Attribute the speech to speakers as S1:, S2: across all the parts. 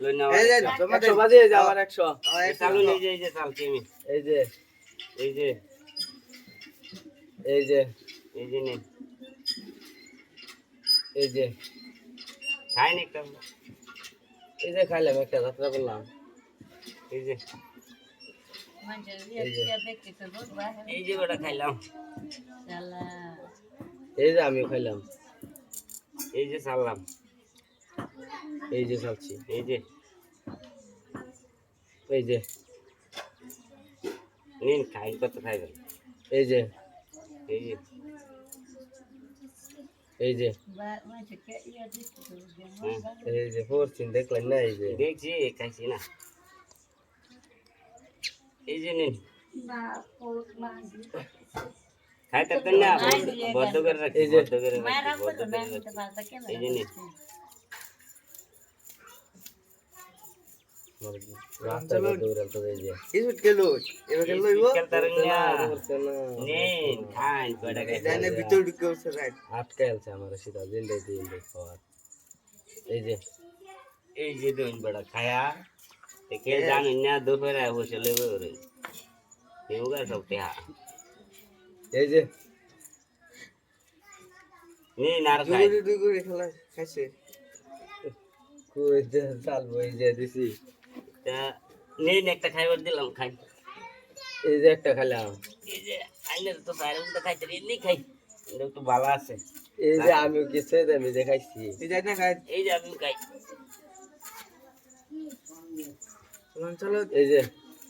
S1: লই নাও
S2: এই যে
S3: 100 বাজে এই যে আবার 100
S1: চালু নেই যে এই যে চালছি আমি
S3: এই যে
S1: এই যে
S3: এই যে
S1: এই যে নে
S3: এই যে
S1: খাই নি একটা
S3: এই যে খাইলাম একটা যাত্রা করলাম
S1: এই যে এই যে ওটা খাইলাম
S3: এই যে আমিও খাইলাম
S1: এই যে চাললাম
S3: এই যে খাচ্ছি
S1: এই যে
S3: এই যে
S1: নিন খাই কত খাইবেন
S3: এই যে
S1: এই যে
S3: এই যে
S1: হ্যাঁ
S3: এই যে পড়ছেন দেখলেন না এই যে
S1: দেখছি খাইছি না এই যে নিন খাইতে পারতেন না বদ্ধ করে রাখি
S3: এই যে
S1: বদ্ধ করে রাখি এই যে নিন
S3: রাস্তা দৌড়াল তো এই যে
S2: ইসুট কেলো এবার কেলো লইবো
S1: খেলতারেন না
S3: করছে না
S1: নিন খান কয়টা খাই
S2: জানে ভিতর ঢুকে বসে রাইট
S3: আটকাইলছে আমার সেটা দিন খাওয়ার এই যে
S1: দুই বড় খায়া কে জানেন না দুপুরে বসে লেবে ওরে কেউগা সব টেহা
S3: এই যে
S1: নিন আর খাই
S2: দুই করে খেলা খাইছে
S3: কই যে চালবো এই যে দিছি
S1: তা নিন একটা খাইবার দিলাম খাই
S3: এই যে একটা খাইলাম
S1: এই যে আইনের তো বাইরে উঠে খাইতে এমনি খাই এটা একটু ভালো আছে
S3: এই যে আমিও কিছু আমি যে খাইছি
S2: এই যাই না খাই
S1: এই যে আমি খাই
S2: চলো
S3: এই যে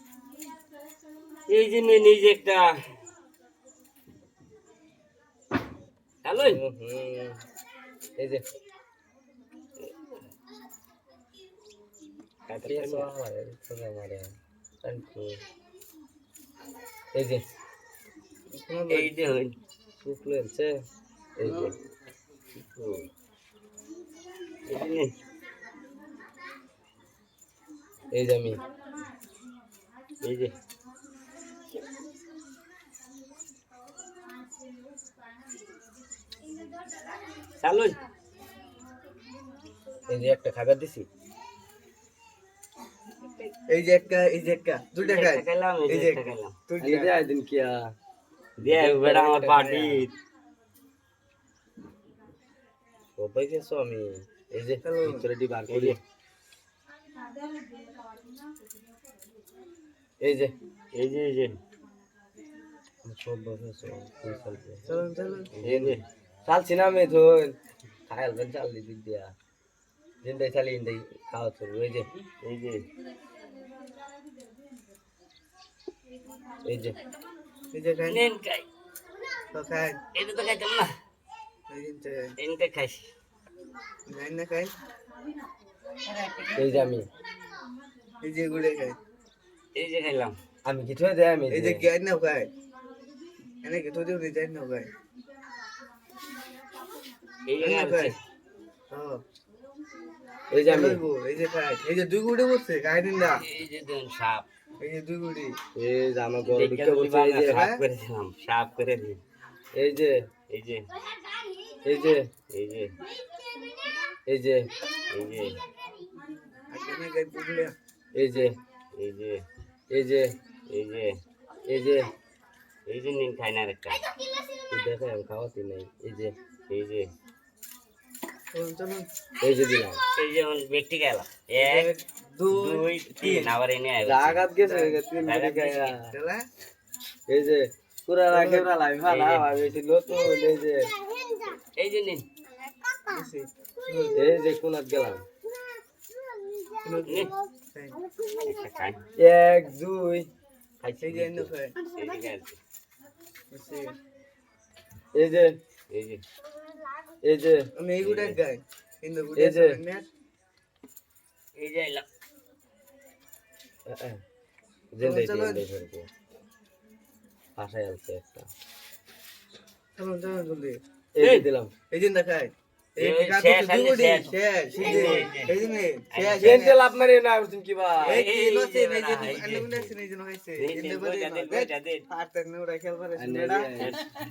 S1: নিন এই যে একটা হ্যালো
S3: এই যে
S1: খাইতে
S3: কেসো আমার তোরা মারে তানকু এই যে
S1: এই যে হই
S3: শুকলেছে এই যে
S1: এই যে নিন
S3: এই যে আমি
S1: এই যে চালু
S3: এই যে একটা খাবার দিছি
S2: এই যে একটা দুইটা খাই
S1: খাইলাম এই যে একটা খাইলাম
S2: তুই
S3: এই যে আইদিন কিয়া
S1: দিয়ে বেড়া আমার পার্টি
S3: ও পাইছো আমি এই যে ভিতরে ডি বার করি এই যে
S1: এই যে এই যে
S3: সব বসে
S2: চলো চলো
S3: এই যে চালছি না আমি ধন খাইল বেন চাল দিক দিয়া জিন্দাই চালি ইন্দাই খাওয়া চলবে এই যে
S1: এই যে
S3: এই যে
S2: এই যে খাই
S1: নিন খাই
S2: তো খাই
S1: এটা তো খাইতাম না
S2: এই যে
S1: এনতে খাইছি
S2: যাই না খাই
S3: এই যে আমি
S2: এই যে গুড়ে খাই
S1: এই যে খাইলাম
S3: আমি কিছু দেয় আমি
S2: এই যে গাই না খাই এনে কি তো দিও যাই না খাই
S1: এই যে
S2: খাই
S1: খাইছি
S2: হ্যাঁ
S3: এই যে আমি
S2: এই যে খাই এই যে দুই গুড়ে বসছে খাই দিন না
S1: এই যে দেন সাপ
S2: এই যে দুই গুড়ি
S3: এই যে আমার বড়
S1: দেখে
S3: ঢুকে বলছে এই যে
S1: সাপ করে দিলাম সাপ করে দিই
S3: এই যে
S1: এই যে
S3: এই যে
S1: এই যে
S3: এই যে
S1: এই যে
S2: আজকে গাই বুঝলে
S3: এই যে
S1: এই যে
S3: এই যে
S1: এই যে
S3: এই যে
S1: এই যে নিন খাই না একটা
S3: দেখে আমি খাওয়াতে নাই এই যে
S2: চলুন চলুন
S3: এই যে দিলাম
S1: এই যে ব্যক্তি গেলাম এক দুই তিন আবার এনে আইবো
S3: জাগাত গেছে তিন মিনিট গায়া
S2: চলা
S3: এই যে পুরা রাখে না লাই ভালো আমি এসে নতুন
S1: এই যে নিন
S3: এই যে কোনাত গেলাম
S1: নিন একটা খাই
S3: এক দুই
S1: খাইছি
S2: এই যে এনে খাই
S1: এই যে খাইছি
S3: এই যে
S1: এই যে
S3: এই যে
S2: আমি এই গুড়ে গাই কিন্তু গুড়ে
S3: এই যে
S1: এই যে এলাম
S3: জিন্দাই দিয়ে আশায় আছে একটা
S2: চলুন চলুন জলদি
S3: এই যে দিলাম
S2: এই যে দেখাই এই
S1: এই
S2: কাজ
S1: শেষ
S2: দুই
S1: আছে,
S2: গুড়ি
S1: শেষ।
S2: শেষ এই যে শেষ
S3: জেন্টেল আপনার না বুঝছেন কি বা
S2: এই যে
S1: এই
S2: নছে এই যে
S1: এই যে।
S2: আন্নে গুড়ে আছে এই যে নইছে
S1: এই যে বইটা দে, বইটা দে।
S2: আর তেনে ওরা খেলবার আছে
S3: আন্নে
S2: বেড়া
S3: দিয়ে।